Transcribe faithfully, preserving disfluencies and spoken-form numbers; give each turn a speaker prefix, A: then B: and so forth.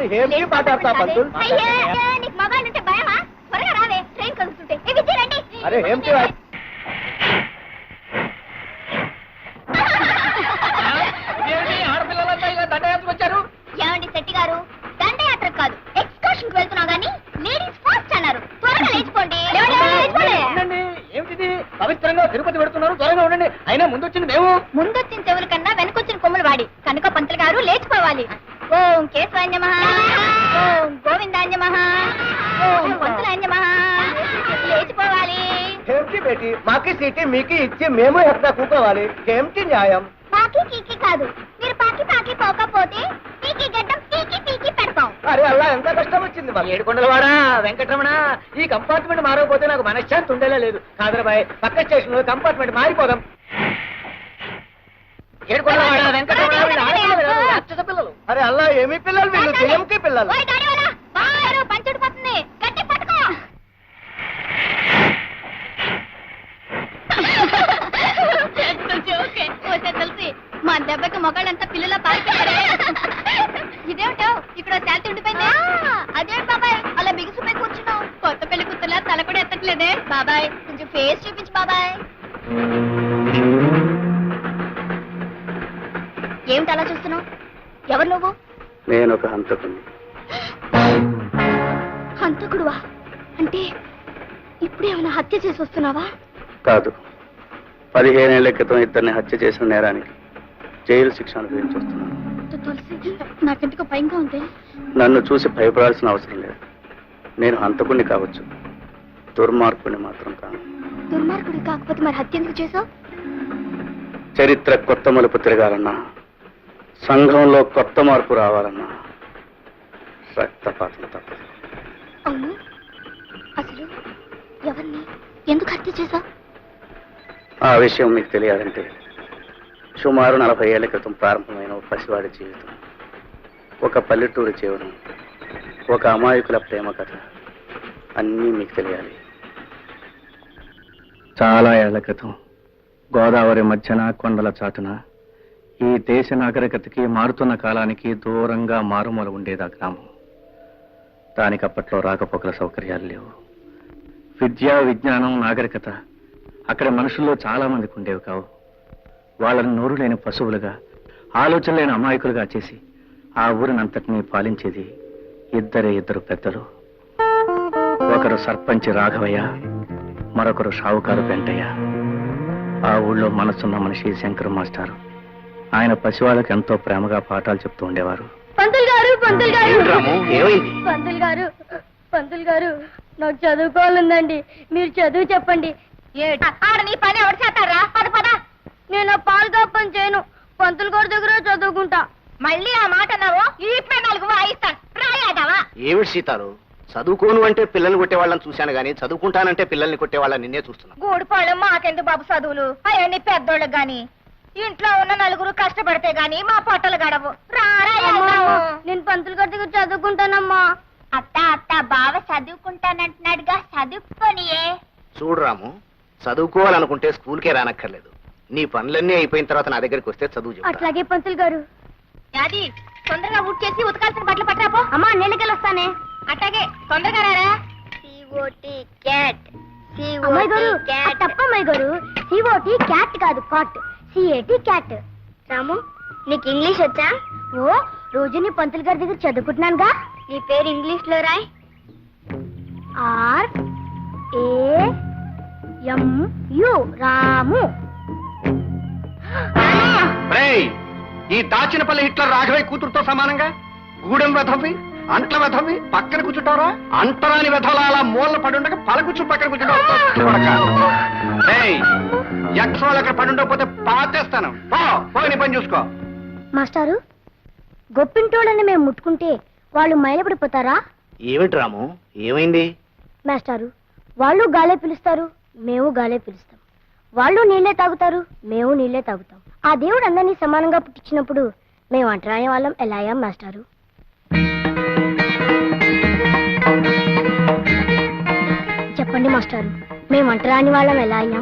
A: మరి ఏమి మాట్లాడతా పంతులు?
B: నీకు మొబైల్ అంటే భయమా? త్వరగా రావే, ట్రైన్ కలుగుతుంటే.
A: అరే ఏమిటి ఆడపిల్లలంతా ఇలా దండయాత్ర వచ్చారు?
B: ఏమండి శెట్టి గారు, దండయాత్ర కాదు ఎక్స్కర్షన్ కి వెళ్తున్నావు గానీ లేడీస్ ఫస్ట్ అన్నారు. త్వరగా లేచిపోండి.
A: ఏమిటి పవిత్రంగా తిరుపతి పెడుతున్నారు? త్వరగా ఉండండి. అయినా ముందు వచ్చింది మేము.
B: ముందొచ్చిన చెవుల కన్నా వెనకొచ్చిన కొమ్ములు వాడి కనుక పంతులు గారు లేచిపోవాలి. ఓం కేశవాన్యమః, ఓం గోవిందాన్యమః, ఓం పంతులాన్యమః. లేచిపోవాలి.
A: ఏమిటి బేటి, మాకి సీటీ మీకు ఇచ్చి మేము ఎక్కడ కూకోవాలి? ఏమిటి న్యాయం?
B: పాకి కీకి కాదు, మీరు పాకి పాకి పోకపోతే పీకి గడ్డం పీకి పీకి పెడతాం.
A: అరే అలా ఎంత కష్టం వచ్చింది మాకు. ఏడుకొండలవాడా వెంకటరమణ, ఈ కంపార్ట్మెంట్ మారకపోతే నాకు మనశ్శాంతి ఉండేలా లేదు. కాదరబాయ్, పక్క స్టేషన్ లో కంపార్ట్మెంట్ మారిపోదాం. ఏడుకొండలవాడా వెంకటరమణ, రాక్షస పిల్లలు. అరే అలా ఏమి పిల్లలు వీళ్ళు? జయంకి పిల్లలు.
B: పంచుడు పోతుంది, గట్టి పట్టుకో. తెలిసి మా దెబ్బకి మొగాళ్ళంతా పిల్లల పారిపోయారే. ఇదేమిటో ఇక్కడ శాంతి ఉండిపోయింది. అదేంటి బాబాయ్ అలా బిగుసిపోయి కూర్చున్నావు? కొత్త పెళ్లి కూతురులా తల కూడా ఎత్తట్లేదే. బాబాయ్ కొంచెం ఫేస్ చూపించు బాబాయ్. ఏమిటి అలా చూస్తున్నావు? ఎవరు నువ్వు?
C: నేను ఒక హంతకుడిని.
B: హంతకుడువా? అంటే ఇప్పుడేమైనా హత్య చేసి వస్తున్నావా?
C: కాదు, పదిహేనేళ్ల క్రితం ఇద్దరిని హత్య చేసిన నేరానికి జైలు శిక్ష అనుభవించి వస్తున్నాను.
B: తులసి, నాకెందుకో భయంగా ఉంది.
C: నన్ను చూసి భయపడాల్సిన అవసరం లేదు. నేను హంతకుడిని కావచ్చు, దుర్మార్గుడిని మాత్రం కాను.
B: దుర్మార్గుడి కాకపోతే మరి హత్య ఎందుకు చేసావు?
C: చరిత్ర కొత్త మలుపు తిరగాలన్నా, సంఘంలో కొత్త మార్పు రావాలన్నా రక్తపాతం తప్పదు.
B: అవును, అసలు ఎవరిని ఎందుకు హత్య చేసావు?
C: ఆ విషయం మీకు తెలియాలంటే సుమారు నలభై ఏళ్ల క్రితం ప్రారంభమైన ఒక పసివాడి జీవితం, ఒక పల్లెటూరి జీవనం, ఒక అమాయకుల ప్రేమ కథ అన్నీ మీకు తెలియాలి. చాలా ఏళ్ల క్రితం గోదావరి మధ్యన కొండల చాటున ఈ దేశ నాగరికతకి మారుతున్న కాలానికి దూరంగా మారుమూల ఉండేది ఆ గ్రామం. దానికి అప్పట్లో రాకపోకల సౌకర్యాలు లేవు. విద్య, విజ్ఞానం, నాగరికత అక్కడ మనుషుల్లో చాలా మందికి ఉండేవి కావు. వాళ్ళని నోరు లేని పశువులుగా, ఆలోచన లేని అమాయకులుగా చేసి ఆ ఊరినంతటినీ పాలించేది ఇద్దరే ఇద్దరు పెద్దలు. ఒకరు సర్పంచ్ రాఘవయ్య, మరొకరు షావుకారు వెంటయ్య. ఆ ఊళ్ళో మనసున్న మనిషి శంకర్ మాస్టారు. ఆయన పసివాళ్ళకి ఎంతో ప్రేమగా పాఠాలు చెప్తూ ఉండేవారు.
B: పంతులు గారు, పంతులు గారు,
C: ఏమైంది?
B: పంతులు గారు, పంతులు గారు, నాకు చదువుకోవాలందండి. మీరు చదువు చెప్పండి. ఆడ నీ పని ఎవరు చేస్తారా? పద పద. నేను పాలుగా పని చేయను, పంతులు గారి దగ్గర చదువుకుంటా. మళ్ళీ ఆ మాట అన్నావు, ఈ నాలుగు వాయిస్తాను. రాయాదావా?
D: ఏమిటి సీతారు, చదువుకోను అంటే పిల్లల్ని కొట్టేవాళ్ళని చూశాను గానీ చదువుకుంటానంటే పిల్లల్ని కొట్టేవాళ్ళని నిన్నే చూస్తున్నా.
B: గూడిపాళ్ళు మాకెందుకు బాబు చదువులు? అవన్నీ పెద్దోళ్ళకి గాని, ఇంట్లో ఉన్న నలుగురు కష్టపడితే గాని మా పొట్టలు గడవు. నేను పంతులు గారి దగ్గర చదువుకుంటానమ్మా. అత్త అత్త బావ చదువుకుంటానంటున్నాడుగా, చదువుకోనియే.
D: చూడు రాము, చదువుకోవాలనుకుంటే స్కూల్కే రానక్కర్లేదు. నీ పనులన్నీ అయిపోయిన తర్వాత నా దగ్గరికి వస్తే చదువు చెప్తా.
B: అట్లాగే పంతులు గారు. యాది తొందరగా ఊట్ చేసి ఉతకాల్సిన బట్టలు పట్టరాపో. అమ్మా నేనకెళ్ళి వస్తానే. అట్లాగే తొందరగా రారా. C O T cat. అమ్మాయి గారు తప్పమ్మాయి గారు, సిఓటి క్యాట్ కాదు కాట్, సిఏటి క్యాట్. రాము నీకు ఇంగ్లీష్ వచ్చా? ఓ రోజు నీ పంతులు గారి దగ్గర చదువుకుంటున్నానుగా. నీ పేరు ఇంగ్లీష్ లో రాయ్. R A M U Ramu.
D: ఈ దాచినపల్లి హిట్లర్ రాఘవయ్య కూతురుతో సమానంగా గూడెం వెధవి, అంట్ల వెధవి పక్కన కూర్చుంటారా? అంటరాని వెధవల అలా మూలన పడుండగా పలకూర్చు పక్కన కూర్చుంటావు. యక్షోళ్ళు అక్కడ పడుండకపోతే పాతేస్తాను. పోయి పని చూసుకో.
B: మాస్టారు, గొప్పింటోళ్ళని మేము ముట్టుకుంటే వాళ్ళు మైలపడిపోతారా?
D: ఏమిటి రాము, ఏమైంది?
B: మాస్టారు, వాళ్ళు గాలే పిలుస్తారు, మేము గాలే పిలుస్తాం. వాళ్ళు నీళ్లే తాగుతారు, మేము నీళ్లే తాగుతాం. ఆ దేవుడు అందరినీ సమానంగా పుట్టించినప్పుడు మేము అంటరాని వాళ్ళం ఎలా అయ్యాం మాస్టారు? చెప్పండి మాస్టారు, మేము అంటరాని వాళ్ళం ఎలా అయ్యాం?